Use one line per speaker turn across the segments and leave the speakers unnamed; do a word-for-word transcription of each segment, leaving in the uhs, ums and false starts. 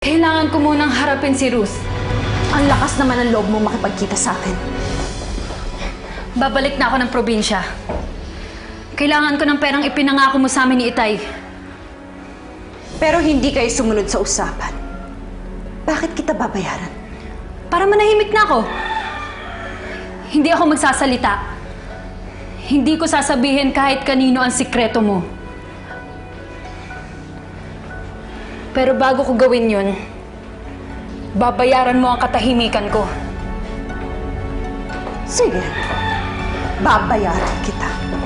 Kailangan ko munang harapin si Ruth.
Ang lakas naman ng loob mo makipagkita sa akin.
Babalik na ako ng probinsya. Kailangan ko ng perang ipinangako mo sa amin ni Itay.
Pero hindi kayo sumunod sa usapan. Bakit kita babayaran?
Para manahimik na ako. Hindi ako magsasalita. Hindi ko sasabihin kahit kanino ang sikreto mo. Pero bago ko gawin yun, babayaran mo ang katahimikan ko.
Sige, babayaran kita.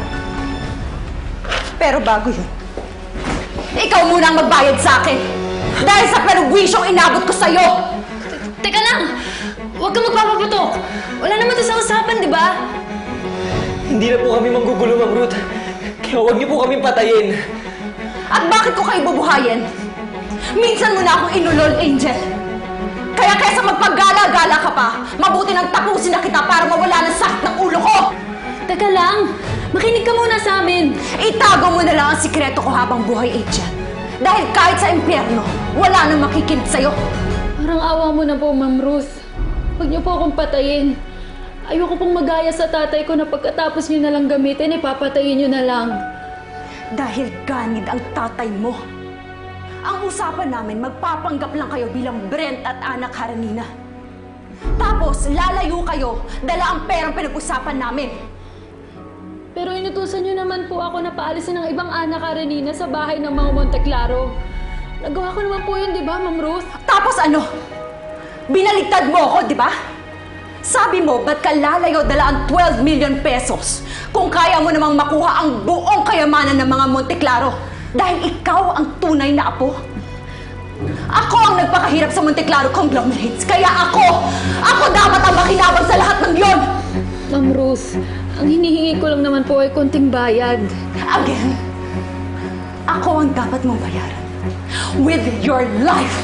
Pero bago yun, ikaw muna ang magbayad sa akin. Dahil sa perwisyo'ng inabot ko sa'yo.
Teka lang! Huwag kang magpapaputok! Wala naman to sa usapan, di ba?
Hindi na po kami manggugulo, Ma'am Ruth. Kaya huwag niyo po kami patayin.
At bakit ko kayo bubuhayin? Minsan mo na akong inulol, Angel. Kaya kaysa magpaggala-gala ka pa, mabuti nang tapusin na kita para mawala ng sakit ng ulo ko!
Teka lang! Makinig ka muna sa amin!
Itago mo na lang ang sikreto ko habang buhay, Angel. Dahil kahit sa impyerno, wala nang makikinig sa'yo.
Parang awa mo na po, Ma'am Ruth. Huwag niyo po akong patayin. Ayoko pong magaya sa tatay ko na pagkatapos niyo na lang gamitin, ipapatayin niyo na lang.
Dahil ganid ang tatay mo. Ang usapan namin, magpapanggap lang kayo bilang Brent at anak Karenina. Tapos, lalayo kayo, dala ang perang pinag-usapan namin.
Pero inutusan niyo naman po ako na paalisin ng ibang anak Karenina sa bahay ng mga Monteclaro. Nagawa ko naman po yun, di ba, Ma'am Ruth?
Tapos ano? Binaligtad mo ako, di ba? Sabi mo, ba't ka lalayo dala ang twelve million pesos kung kaya mo namang makuha ang buong kayamanan ng mga Monteclaro dahil ikaw ang tunay na apo? Ako ang nagpakahirap sa Monteclaro conglomerates, kaya ako, ako dapat ang makinabang sa lahat ng yon!
Ma'am Ruth, ang hinihingi ko lang naman po ay konting bayad.
Again, ako ang dapat mong bayaran. With your life!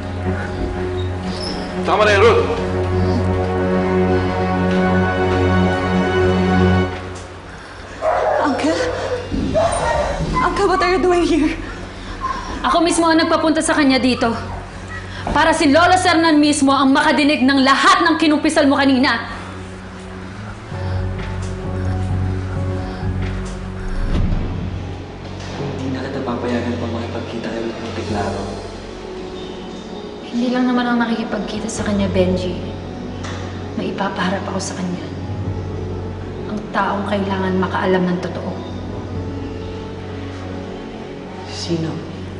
Tama na yun, Ruth!
Uncle? Uncle, what are you doing here?
Ako mismo ang nagpapunta sa kanya dito. Para si Lola Sernan mismo ang makadinig ng lahat ng kinumpisal mo kanina.
Hindi na kita papayagan pa makipagkita kayo ng Monteclaro.
Hindi lang naman ang nakikipagkita sa kanya, Benji. May ipapaharap ako sa kanya. Ang taong kailangan makaalam ng totoo.
Sino?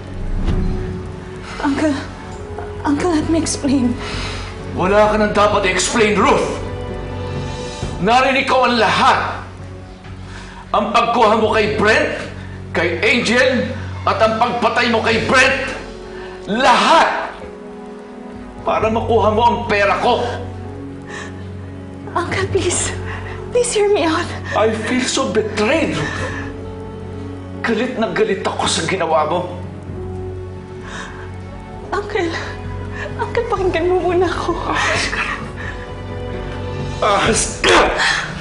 Uncle, Uncle, let me explain.
Wala ka nang dapat i-explain, Ruth! Narinig ko ang lahat! Ang pagkuha mo kay Brent, kay Angel, at ang pagpatay mo kay Brent, lahat! Para makuha mo ang pera ko!
Uncle, please. Please hear me out.
I feel so betrayed, Ruth. Galit na galit ako sa ginawa mo.
Uncle, Uncle, pakinggan mo muna ako.
Ahas ka! Ahas ka!